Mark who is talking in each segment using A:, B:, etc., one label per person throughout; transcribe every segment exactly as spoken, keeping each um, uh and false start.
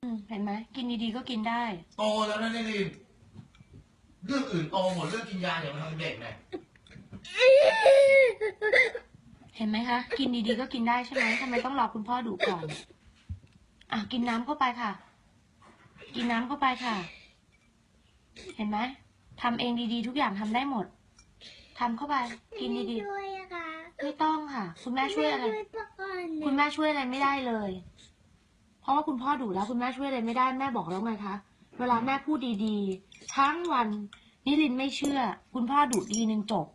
A: อืมเห็นไหมกินดีๆก็กินได้
B: โตแล้วนะนี่ลินเรื่องอื่นโตหมดเรื่องกินยาอย่ามาทำเด็กไง
A: เห็นไหมคะกินดีๆก็กินได้ใช่ไหมทำไมต้องรอคุณพ่อดุก่อนอ่ะกินน้ำเข้าไปค่ะ กินน้ำเข้าไปค่ะ เห็นไหมทำเองดีๆทุกอย่างทำได้หมดทำเข้าไปกินดี
C: ช่วยอะค่ะ
A: ๆไม่ต้องค่ะ คุณแม่ช่วยอะไร
C: ช่วยปะก่อน
A: คุณแม่ช่วยอะไรไม่ได้เลย เพราะว่าคุณพ่อดุแล้วคุณแม่ช่วยอะไรไม่ได้แม่บอกแล้วไงคะเวลาแม่พูดดีๆทั้งวันนิรินทร์ไม่เชื่อ คุณพ่อดุทีนึงจบ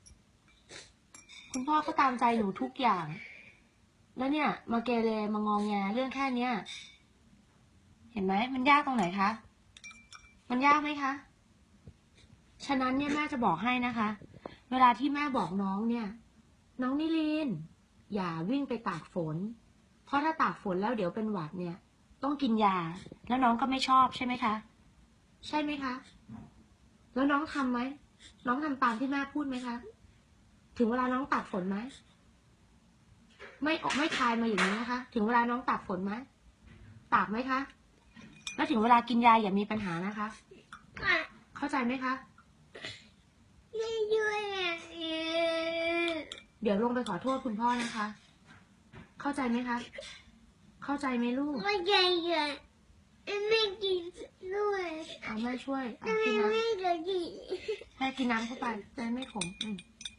A: คุณพ่อก็ตามใจหนูทุกอย่าง แล้วเนี่ย มาเกเรมางองแงเรื่องแค่เนี้ยเห็นไหมมันยากตรงไหนคะมันยากไหมคะฉะนั้นเนี่ยแม่จะบอกให้นะคะ เวลาที่แม่บอกน้องเนี่ย น้องนิรินทร์อย่าวิ่งไปตากฝน เพราะถ้าตากฝนแล้วเดี๋ยวเป็นหวัดเนี่ย ต้องกินยา แล้วน้องก็ไม่ชอบใช่ไหมคะ ใช่ไหมคะ แล้วน้องทำไหมน้องทำตามที่แม่พูดไหมคะ ถึงเวลาน้องตากฝนไหมไม่ออกไม่คลายมาอย่างนี้นะคะ ถึงเวลาน้องตากฝนไหมตากไหมคะ แล้วถึงเวลากินยาอย่ามีปัญหานะคะ
C: ค่ะ
A: เข้าใจไหมคะ
C: ไม่ช่วยอะ
A: เดี๋ยวลงไปขอโทษคุณพ่อนะคะ เข้าใจไหมคะ เข้าใจไหมลูก
C: ไม่ใช่อะไม่กินด้วย
A: เอาแม่ช่วยเอา
C: ทำไม
A: กินน้
C: ไม่ได้กิน
A: ำแม่กินน้ำเข้าไปจะได้ไม่ขมอืม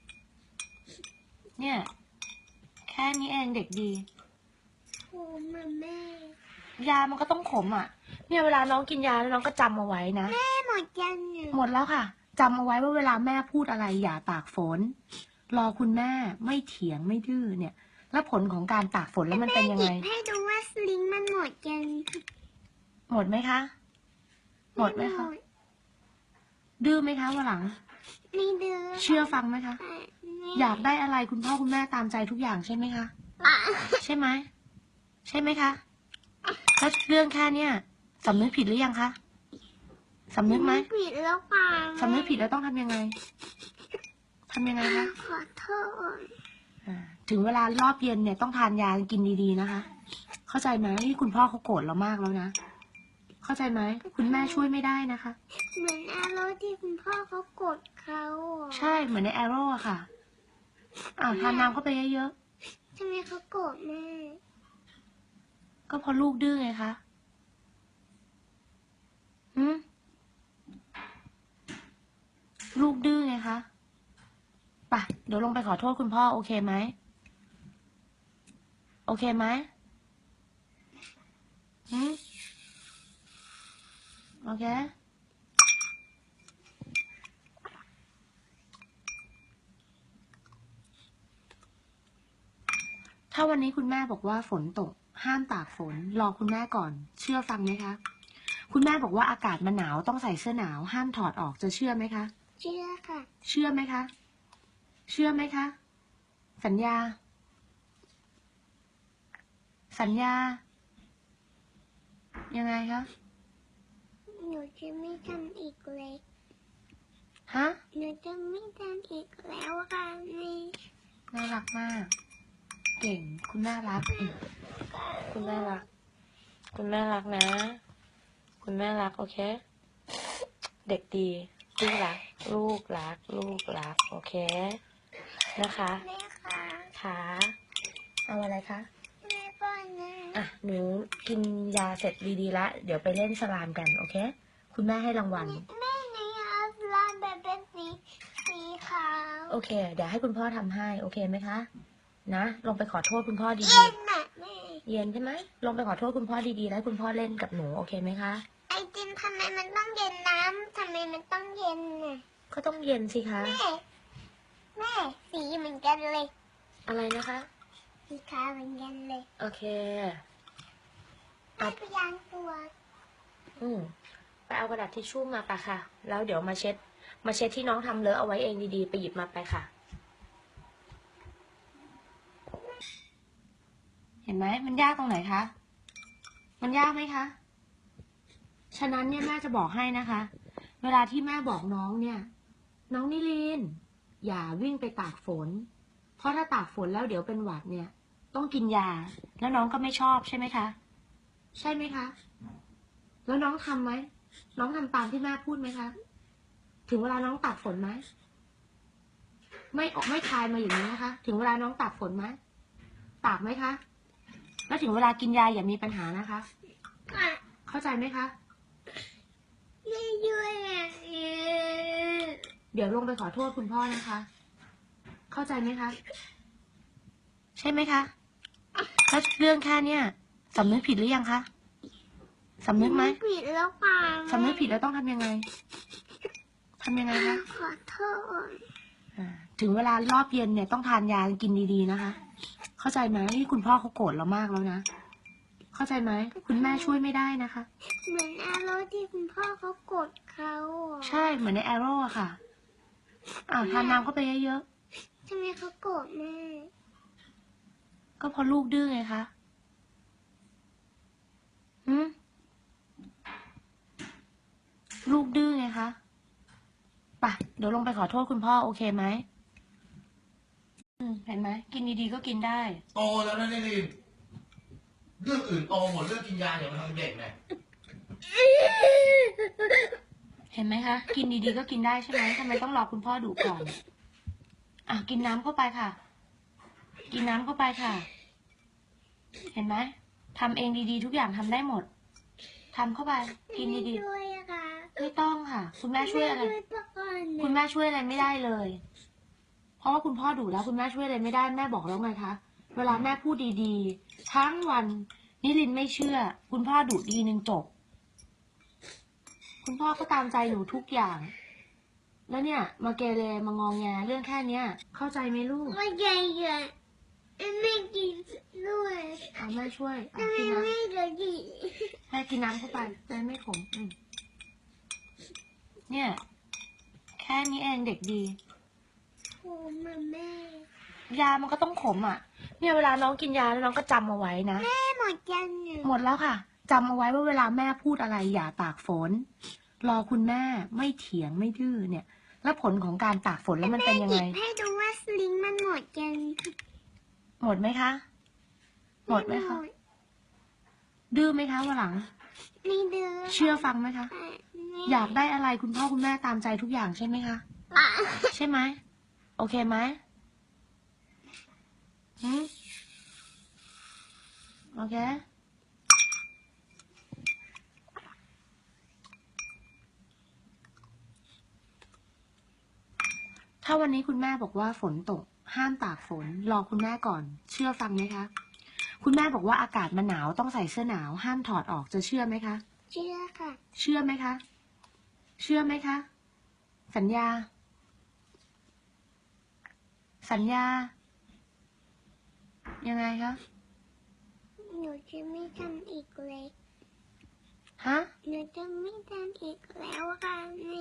A: เนี่ย แค่นี้เองเด็กดี
C: โอ้มาแม่
A: ยามันก็ต้องขมอ่ะ เนี่ยเวลาน้องกินยาแล้วน้องก็จำเอาไว้นะ
C: แม่หมดยังเนี่ย
A: หมดแล้วค่ะจำเอาไว้ว่าเวลาแม่พูดอะไรอย่าตากฝน รอคุณแม่ไม่เถียงไม่ดื้อเนี่ย แล้วผลของการตากฝนแล้วมันเป็นยัง
C: ห
A: ไง
C: ยิบให้ดูว่าสลิงมันหมดยัง
A: หมดไหมคะ หมดไหมคะ ดื้อไหมคะวันหลัง
C: ไม่ดื้อ
A: เชื่อฟังไหมคะ
C: ค่ะแม่
A: อยากได้อะไรคุณพ่อคุณแม่ตามใจทุกอย่างใช่ไหมคะ
C: อ่ะ
A: ใช่ไหม ใช่ไหมคะ แล้วเรื่องแค่เนี้ยสำนึกผิดหรือยังคะสำนึกไหม
C: ผิดแล้วค่ะ
A: สำนึกผิดแล้วต้องทำยังไงทำยังไงคะ
C: ขอโทษ
A: อ่าถึงเวลารอบเย็นเนี่ยต้องทานยากินดีๆนะคะ เข้าใจไหมที่คุณพ่อเขาโกรธเรามากแล้วนะ เข้าใจไหมคุณแม่ช่วยไม่ได้นะคะ
C: เหมือนอารมณ์ที่คุณพ่อเขากดเขาอะ
A: ใช่เหมือนในแอโร่อะค่ะอ่าทานน้ำเข้าไปเยอะ
C: ทำไมเขาโกรธแม่
A: ๆก็เพราะลูกดื้อไงคะหืมลูกดื้อไงคะไปเดี๋ยวลงไปขอโทษคุณพ่อโอเคไหมโอเคไหมหืมโอเคถ้าวันนี้คุณแม่บอกว่าฝนตกห้ามตากฝนรอคุณแม่ก่อน เชื่อฟังไหมคะคุณแม่บอกว่าอากาศมันหนาวต้องใส่เสื้อหนาวห้ามถอดออกจะเชื่อไหมคะ
C: เชื่อค่ะ
A: เชื่อไหมคะ เชื่อไหมคะ สัญญา สัญญา ยังไงคะ
C: หนูจะไม่ทำอีกเลย
A: ฮะ
C: หนูจะไม่ทำอีกแล้วค่ะแม่
A: น่ารักมาก เก่ง คุณน่ารักอืมคุณน่ารัก คุณแม่รักนะ คุณแม่รักโอเค เด็กดีลูกรัก ลูกรัก ลูกรัก โอเค นะคะ
C: แม่ค่ะ
A: ขาเอาอะไรคะ
C: แม่ป้อนนะ
A: อ่ะ หนูกินยาเสร็จดีๆละ เดี๋ยวไปเล่นสลามกัน โอเค คุณแม่ให้รางวัล
C: แม่ในเอาลานแบบเป็นสีสีขาว
A: โอเค เดี๋ยวให้คุณพ่อทำให้ โอเคไหมคะ นะ ลงไปขอโทษคุณพ่อดี
C: เย็นน่ะแม่
A: ๆ เย็นใช่ไหม ลงไปขอโทษคุณพ่อดีๆ แล้วให้คุณพ่อเล่นกับหนู โอเคไหมคะ
C: ไอติมทำไมมันต้องเย็นน้ำทำไมมันต้องเย็นน่ะ
A: ก็ต้องเย็นสิคะ
C: แม่ แม่ สีเหมือนกันเลย
A: อะไรนะคะ
C: สีขาวเหมือนกันเลย
A: โอเค
C: แม่ไปยางตัว
A: อืมไปเอากระดาษทิชชู่มาปะค่ะ แล้วเดี๋ยวมาเช็ด มาเช็ดที่น้องทำเลอะเอาไว้เองดีๆ ไปหยิบมาไปค่ะ เห็นไหม มันยากตรงไหนคะ มันยากไหมคะ ฉะนั้นเนี่ยแม่จะบอกให้นะคะ เวลาที่แม่บอกน้องเนี่ย น้องนิลิน อย่าวิ่งไปตากฝน เพราะถ้าตากฝนแล้วเดี๋ยวเป็นหวัดเนี่ย ต้องกินยา แล้วน้องก็ไม่ชอบใช่ไหมคะ ใช่ไหมคะแล้วน้องทำไหม น้องทำตามที่แม่พูดไหมคะ ถึงเวลาน้องตากฝนไหม ไม่ออกไม่คายมาอย่างนี้นะคะ ถึงเวลาน้องตากฝนไหม ตากไหมคะ แล้วถึงเวลากินยาอย่ามีปัญหานะคะ
C: ค่ะ
A: เข้าใจไหมคะ
C: ไม่ด้วยอ่ะ
A: เดี๋ยวลงไปขอโทษคุณพ่อนะคะ เข้าใจไหมคะ ใช่ไหมคะ แล้วเรื่องแค่เนี้ยสำนึกผิดหรือยังคะ สำนึกไหม
C: ผิดแล้วค่ะ
A: สำนึกผิดแล้วต้องทำยังไง ทำยังไงคะ
C: ขอโทษ
A: อ่าถึงเวลารอบเย็นเนี่ยต้องทานยากินดีๆนะคะ เข้าใจไหมนี่คุณพ่อเขาโกรธเรามากแล้วนะ เข้าใจไหม คุณแม่ช่วยไม่ได้นะคะ
C: เหมือนอารมณ์ที่คุณพ่อเขากดเขาอ่ะ
A: ใช่ เหมือนในแอโร่อะค่ะ อ่าทานน้ำเข้าไปเยอะ
C: ทำไมเขาโกรธแม่
A: ๆ ก็เพราะลูกดื้อไงคะหืมลูกดื้อไงคะไปะเดี๋ยวลงไปขอโทษคุณพ่อโอเคไหมอืมเห็นไหม กินดีๆก็กินได้
B: โตแล้วนะนิรินทร์เรื่องอื่นโตหมดเรื่องกินยาอย่ามาทำเด็กเนี่ย
A: เห็นไหมคะ กินดีๆก็กินได้ใช่ไหมทำไมต้องรอคุณพ่อดุก่อน อ่ะกินน้ำเข้าไปค่ะ กินน้ำเข้าไปค่ะ เห็นไหมทำเองดีๆ ทุกอย่างทำได้หมดทำเข้าไป กินดี
C: ไม่ด้วยอะค่ะ
A: ๆไม่ต้องค่ะ คุณแม่ช่วยอะไร
C: แม่ช่วยปะก่อน
A: คุณแม่ช่วยอะไรไม่ได้เลย เพราะว่าคุณพ่อดุแล้วคุณแม่ช่วยอะไรไม่ได้แม่บอกแล้วไงคะ เวลาแม่พูดดีๆ ทั้งวันนิรินทร์ไม่เชื่อ คุณพ่อดุดีนึงจบ คุณพ่อก็ตามใจหนูทุกอย่าง แล้วเนี่ย มาเกเรมางองแงเรื่องแค่เนี้ย เข้าใจไหมลูก
C: ไม่ใหญ่ใหญ่ไม่กินด้วย
A: เอาแม่ช่วยเอา
C: ทำไม
A: กินน้
C: ไม่เหลือดี
A: ำแม่กินน้ำเข้าไปจะได้ไม่ขมอืมเนี่ย แค่นี้เองเด็กดี
C: โอ้มาแม่
A: ยามันก็ต้องขมอ่ะ เนี่ยเวลาน้องกินยาแล้วน้องก็จำเอาไว้นะ
C: แม่หมดยังเนี่ย
A: หมดแล้วค่ะจำเอาไว้ว่าเวลาแม่พูดอะไรอย่าตากฝน รอคุณแม่ไม่เถียงไม่ดื้อเนี่ย แล้วผลของการตากฝนแล้วมันเป็นยัง
C: ห
A: ไง
C: ยิบให้ดูว่าสลิงมันหมดยัง
A: หมดไหมคะ หมดไหมคะ ดื้อไหมคะวันหลัง
C: ไม่ดื้อ
A: เชื่อฟังไหมคะ
C: ไม่
A: อยากได้อะไรคุณพ่อคุณแม่ตามใจทุกอย่างใช่ไหมคะ
C: อ่ะ
A: ใช่ไหม โอเคไหมหืมโอเค ถ้าวันนี้คุณแม่บอกว่าฝนตก ห้ามตากฝน รอคุณแม่ก่อน เชื่อฟังไหมคะ คุณแม่บอกว่าอากาศมันหนาวต้องใส่เสื้อหนาว ห้ามถอดออกจะเชื่อไหมคะ
C: เชื่อค่ะ
A: เชื่อไหมคะ เชื่อไหมคะ สัญญา สัญญา ยังไงคะ
C: หนูจะไม่ทำอีกเลย
A: ฮะ
C: หนูจะไม่ทำอีกแล้วค่ะ